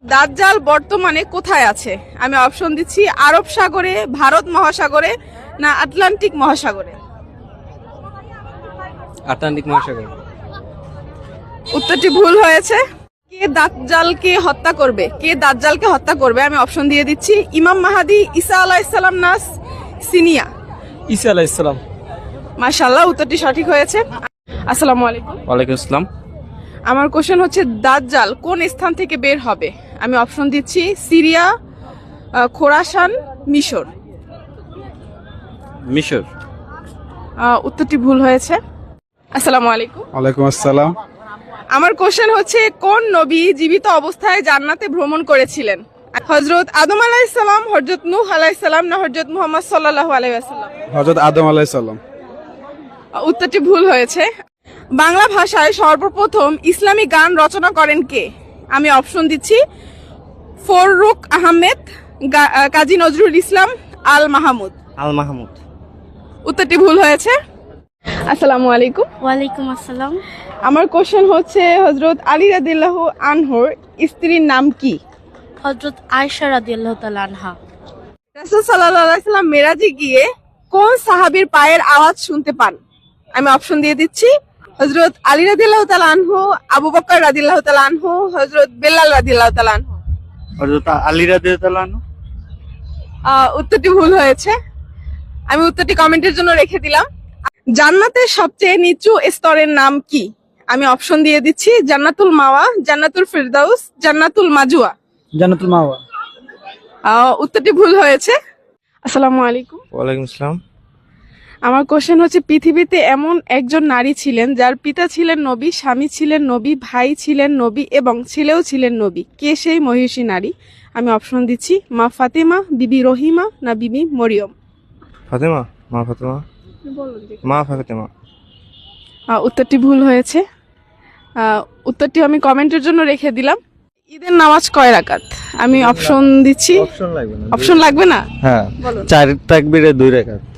দাজ্জাল বর্তমানে কোথায় আছে? আমি অপশন দিচ্ছি আরব সাগরে, ভারত মহাসাগরে, না আটলান্টিক মহাসাগরে। আটলান্টিক মহাসাগর। উত্তরটি ভুল হয়েছে। কে দাজ্জালকে হত্যা করবে? কে দাজ্জালকে হত্যা করবে? আমি অপশন দিয়ে দিচ্ছি ইমাম মাহাদি, ঈসা আলাইহিস সালাম, না সিনিয়া। ঈসা আলাইহিস সালাম। মাশাআল্লাহ, উত্তরটি সঠিক হয়েছে। আসসালামু আলাইকুম। ওয়ালাইকুম আসসালাম। আমার কোশ্চেন হচ্ছে দাজ্জাল কোন স্থান থেকে বের হবে? আমি অপশন দিচ্ছি সিরিয়া, খোরাসান, মিশর। মিশর। উত্তরটি ভুল হয়েছে। আসসালামু আলাইকুম। ওয়ালাইকুম আসসালাম। আমার কোশ্চেন হচ্ছে কোন নবী জীবিত অবস্থায় জান্নাতে ভ্রমণ করেছিলেন? হযরত আদম আলাইহিস সালাম, হযরত নূহ আলাইহিস সালাম, না হযরত মুহাম্মদ সাল্লাল্লাহু আলাইহি ওয়াসাল্লাম। হযরত আদম আলাইহিস সালাম। উত্তরটি ভুল হয়েছে। বাংলা ভাষায় সর্বপ্রথম ইসলামী গান রচনা করেন কে? আমি অপশন দিচ্ছি ফররুখ আহমেদ, কাজী নজরুল ইসলাম, আল মাহমুদ। আল মাহমুদ। উত্তরটি ভুল হয়েছে। আসসালামু আলাইকুম। ওয়ালাইকুম আসসালাম। আমার কোশ্চেন হচ্ছে হযরত আলী রাদিয়াল্লাহু আনহুর স্ত্রীর নাম কি? হযরত আয়েশা রাদিয়াল্লাহু তাআলা আনহা। রাসূল সাল্লাল্লাহু আলাইহি ওয়াসাল্লাম মেরাজে গিয়ে কোন সাহাবীর পায়ের আওয়াজ শুনতে পান? আমি অপশন দিয়ে দিচ্ছি হযরত আলী রাদিয়াল্লাহু তাআলা আনহু, আবু বকর রাদিয়াল্লাহু তাআলা আনহু, হযরত বেলাল রাদিয়াল্লাহু তাআলা আনহু। হযরত আলী রাদিয়াল্লাহু আনহু। উত্তরটি ভুল হয়েছে। আমি উত্তরটি কমেন্টের জন্য রেখে দিলাম। জান্নাতের সবচেয়ে নিচু স্তরের নাম কি? আমি অপশন দিয়ে দিচ্ছি জান্নাতুল মাওয়া, জান্নাতুল ফিরদাউস, জান্নাতুল মাজুয়া। জান্নাতুল মাওয়া। উত্তরটি ভুল হয়েছে। আসসালামু আলাইকুম। ওয়ালাইকুম আসসালাম। আমার কোশ্চেন হচ্ছে পৃথিবীতে এমন একজন নারী ছিলেন যার পিতা ছিলেন নবী, স্বামী ছিলেন নবী, ভাই ছিলেন নবী এবং ছেলেও ছিলেন নবী। কে সেই মহিষী নারী? আমি অপশন দিচ্ছি মা ফাতেমা, বিবি রহিমা, না বিবি মরিয়ম। ফাতেমা। মা ফাতেমা। মা ফাতেমা। উত্তরটি ভুল হয়েছে। উত্তরটি আমি কমেন্টের জন্য রেখে দিলাম। ঈদের নামাজ কয় রাকাত? আমি অপশন দিচ্ছি। অপশন লাগবে না। অপশন লাগবে না? হ্যাঁ, বলুন। 4 তাকবীরে 2 রাকাত।